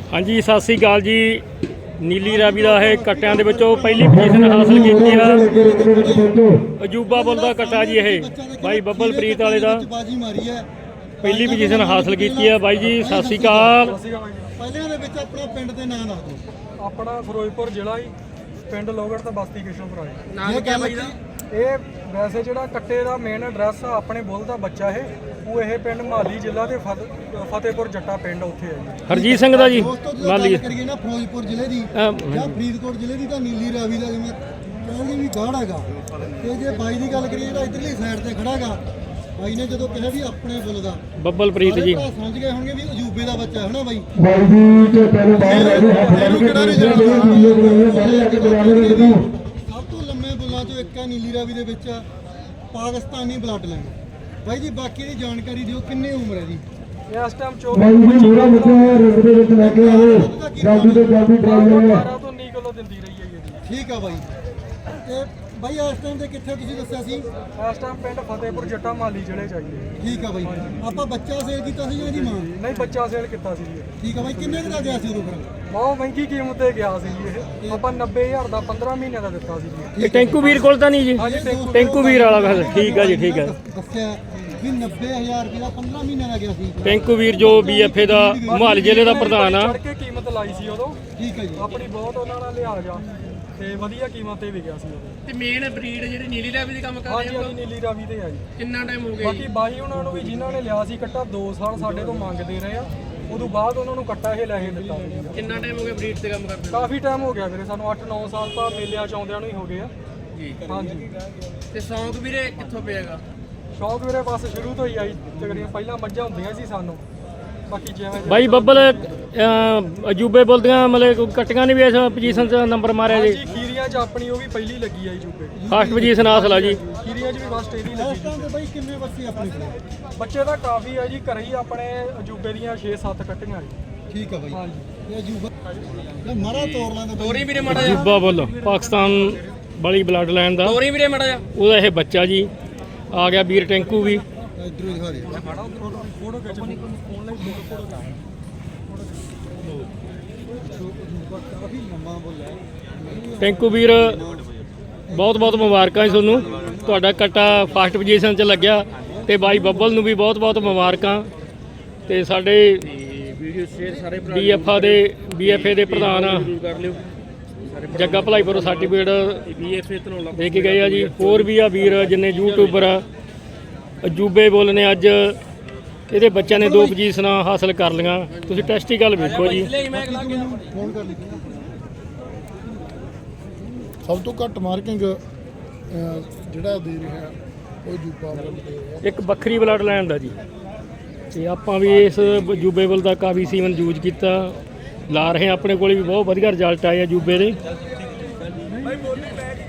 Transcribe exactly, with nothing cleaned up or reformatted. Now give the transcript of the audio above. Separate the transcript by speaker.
Speaker 1: हाँ जी सत श्री अकाल जी। नीली रावी का है कट्टिया के पहली पोजीशन हासिल की है। अजूबा बुल का कट्टा जी है भाई बब्बलप्रीत वाले का पहली पोजीशन हासिल की है। बाई जी सत श्री अकाल।
Speaker 2: अपना फिरोजपुर जिला ही पिंड लोगड़ तो बस्ती किशनपुर ये वैसे जो कट्टे का मेन एड्रैस अपने बुल का बच्चा है वो यह पिंड माली जिला के फतेहपुर जट्टा पिंड उत्थे है जी।
Speaker 1: हरजीत सिंह का जी माली
Speaker 3: ना फिरोजपुर जिले की या फरीदकोट जिले की तो नीली रावी का जिवें कहते भी गाढ़ हैगा ते जे बाई की गल करिए इधरली साइड से खड़ा हैगा बाई ने जो कहा भी अपने बुल का
Speaker 1: बब्बलप्रीत जी
Speaker 3: समझ गए होंगे भी अजूबे का बच्चा है ना बाई सब तो लम्बे बुलों चो एक है नीली रावी दे विच पाकिस्तानी ब्लड लाइन। भाई जी बाकी की जानकारी दियो कितनी उम्र है जी?
Speaker 2: इस टाइम चौबीस किलो दिंदी रही है जी।
Speaker 3: ठीक है भाई ते भाई इस टाइम ते कित्थे तुसीं दस्सिया सी?
Speaker 2: इस टाइम पिंड फतेहपुर जट्टा माली जिले चाहिए।
Speaker 3: ठीक है भाई आपां बच्चा सेल कीता सी या जी मां?
Speaker 2: नहीं बच्चा सेल कीता सी जी।
Speaker 3: ठीक है भाई किन्ने दा गया सी उदों फिर?
Speaker 2: बहुत महंगी कीमत ते गया सी जी। ये आपां नब्बे हज़ार दा पंद्रह महीने दा दित्ता सी जी।
Speaker 1: टेंकू वीर कोल तां नहीं जी?
Speaker 2: हां जी टेंकू
Speaker 1: टेंकू वीर वाला बस ठीक है जी ठीक है।
Speaker 3: दस्सिया भी नब्बे हज़ार रुपये का पंद्रह महीने का गया सी।
Speaker 1: टेंकू वीर जो बी एफ ए का मोहाली जिले का प्रधान आ।
Speaker 2: चढ़ के कीमत लाई सी उदों।
Speaker 3: ठीक है जी
Speaker 2: अपनी बहुत उन्हां नाल लिहाज आ ਤੇ ਵਧੀਆ ਕੀਮਤ ਤੇ ਵਿਕਿਆ ਸੀ ਉਹ।
Speaker 4: ਤੇ ਮੇਨ ਬਰੀਡ ਜਿਹੜੀ ਨੀਲੀ ਰਾਵੀ ਦੀ ਕੰਮ ਕਰ
Speaker 2: ਹਾਂਜੀ
Speaker 4: ਰਹੇ
Speaker 2: ਹਾਂਜੀ ਨੀਲੀ ਰਾਵੀ ਤੇ ਆ ਜੀ।
Speaker 4: ਕਿੰਨਾ ਟਾਈਮ ਹੋ ਗਿਆ
Speaker 2: ਬਾਕੀ ਬਾਈ ਉਹਨਾਂ ਨੂੰ ਵੀ ਜਿਨ੍ਹਾਂ ਨੇ ਲਿਆ ਸੀ ਕੱਟਾ ਦੋ ਸਾਲ ਸਾਡੇ ਤੋਂ ਮੰਗਦੇ ਰਹੇ ਆ ਉਦੋਂ ਬਾਅਦ ਉਹਨਾਂ ਨੂੰ ਕੱਟਾ ਇਹ ਲੈ ਕੇ ਦਿੱਤਾ ਸੀ।
Speaker 4: ਕਿੰਨਾ ਟਾਈਮ ਹੋ ਗਿਆ ਬਰੀਡ ਤੇ ਕੰਮ ਕਰਦੇ
Speaker 2: ਕਾਫੀ ਟਾਈਮ ਹੋ ਗਿਆ ਵੀਰੇ ਸਾਨੂੰ ਅੱਠ ਨੌ ਸਾਲ ਤਾਂ ਮੇਲਿਆਂ ਚ ਆਉਂਦਿਆਂ ਨੂੰ ਹੀ ਹੋ ਗਏ ਆ
Speaker 4: ਜੀ।
Speaker 2: ਹਾਂਜੀ
Speaker 4: ਤੇ ਸ਼ੌਂਕ ਵੀਰੇ ਕਿੱਥੋਂ ਪਿਆਗਾ?
Speaker 2: ਸ਼ੌਕ ਵੀਰੇ ਬਸ ਸ਼ੁਰੂ ਤੋਂ ਹੀ ਆਈ ਤਕਰੀਬਨ ਪਹਿਲਾਂ ਮੱਝਾਂ ਹੁੰਦੀਆਂ ਸੀ ਸਾਨੂੰ ਬਾਕੀ ਜਿਵੇਂ
Speaker 1: ਬਾਈ ਬੱਬਲ ਅਜੂਬੇ ਬੋਲਦੀਆਂ ਮਤਲਬ ਕਟੀਆਂ ਨੇ ਵੀ ਇਸ ਪੋਜੀਸ਼ਨ 'ਚ ਨੰਬਰ ਮਾਰਿਆ ਜੀ।
Speaker 2: ਹਾਂਜੀ ਖੀਰੀਆਂ ਚ ਆਪਣੀ ਉਹ ਵੀ ਪਹਿਲੀ ਲੱਗੀ ਆਈ ਜੂਬੇ
Speaker 1: ਫਸਟ ਪੋਜੀਸ਼ਨ ਹਾਸਲ ਆ ਜੀ।
Speaker 2: ਖੀਰੀਆਂ ਚ ਵੀ ਬਸ ਇਹਦੀ
Speaker 3: ਇਸ
Speaker 2: ਲੱਗੀ
Speaker 3: ਟਾਈਮ ਤੇ ਭਾਈ ਕਿੰਨੇ ਬੱਚੇ ਆਪਣੇ ਕੋਲ?
Speaker 2: ਬੱਚੇ ਤਾਂ ਕਾਫੀ ਆ ਜੀ ਘਰੇ ਹੀ ਆਪਣੇ ਅਜੂਬੇ ਦੀਆਂ ਛੇ ਸੱਤ ਕੱਟੀਆਂ ਜੀ।
Speaker 3: ਠੀਕ ਹੈ ਭਾਈ
Speaker 2: ਹਾਂਜੀ
Speaker 3: ਇਹ ਅਜੂਬਾ ਇਹ ਮਾਰਾ ਤੋੜ ਲੈਂਦਾ
Speaker 4: ਤੋਰੀ ਵੀਰੇ ਮਾੜਾ ਜਿਹਾ
Speaker 1: ਅਜੂਬਾ ਬੁੱਲ ਪਾਕਿਸਤਾਨ ਵਾਲੀ ਬਲੱਡ ਲਾਈਨ ਦਾ
Speaker 4: ਤੋਰੀ ਵੀਰੇ ਮਾੜਾ ਜਿਹਾ
Speaker 1: ਉਹਦਾ ਇਹ ਬੱਚਾ ਜੀ ਆ ਗਿਆ ਵੀਰ ਟੈਂਕੂ ਵੀ।
Speaker 3: ਇਧਰੋਂ ਦਿਖਾ ਦੇ
Speaker 2: ਫੋਟੋ ਖਿੱਚ ਆਨਲਾਈਨ ਫੋਟੋ
Speaker 3: ਕਾਫੀ ਲੰਮਾ ਬੁੱਲ ਹੈ।
Speaker 1: ਟੈਂਕੂ ਵੀਰ ਬਹੁਤ ਬਹੁਤ ਮੁਬਾਰਕਾਂ ਜੀ ਤੁਹਾਨੂੰ। ਤੁਹਾਡਾ ਕੱਟਾ ਫਸਟ ਪੋਜੀਸ਼ਨ 'ਚ ਲੱਗਿਆ ਤੇ ਬਾਈ ਬੱਬਲ ਨੂੰ ਵੀ ਬਹੁਤ ਬਹੁਤ ਮੁਬਾਰਕਾਂ। ਤੇ ਸਾਡੇ
Speaker 4: ਵੀਡੀਓ ਸ਼ੇਅਰ ਸਾਰੇ ਭਰਾ
Speaker 1: ਬੀ ਐਫ ਆ ਦੇ ਬੀ ਐਫ ਏ ਦੇ ਪ੍ਰਧਾਨ
Speaker 4: ਕਰ ਲਿਓ।
Speaker 1: Jagga Bhalaipur certificate
Speaker 4: B F A Dhanaula
Speaker 1: ਦੇ ਕੇ ਗਏ ਆ ਜੀ। ਹੋਰ ਵੀ ਆ ਵੀਰ ਜਿੰਨੇ ਯੂਟਿਊਬਰ ਆ। ਅਜੂਬੇ ਬੁੱਲ ਨੇ ਅੱਜ ਇਹਦੇ ਬੱਚਿਆਂ ਨੇ ਦੋ ਪੋਜੀਸ਼ਨਾਂ ਹਾਸਲ ਕਰ ਲਈਆਂ। ਤੁਸੀਂ ਟੈਸਟੀਕਲ ਵੇਖੋ ਜੀ।
Speaker 3: ਫੋਨ ਕਰ ਲਈ ਸਭ ਤੋਂ ਘੱਟ ਮਾਰਕਿੰਗ ਜਿਹੜਾ ਦੇ ਰਿਹਾ ਉਹ ਜੂਬਾ ਬੁੱਲ ਦੇ ਰਿਹਾ।
Speaker 1: ਇੱਕ ਵੱਖਰੀ ਬਲੱਡ ਲਾਈਨ ਦਾ ਜੀ ਤੇ ਆਪਾਂ ਵੀ ਇਸ ਅਜੂਬੇ ਬੁੱਲ ਦਾ ਕਾਫੀ ਸੀਮਨ ਯੂਜ਼ ਕੀਤਾ ਲਾ ਰਹੇ ਹਾਂ। ਆਪਣੇ ਕੋਲ ਵੀ ਬਹੁਤ ਵਧੀਆ ਰਿਜ਼ਲਟ ਆਏ ਆ ਅਜੂਬੇ ਦੇ।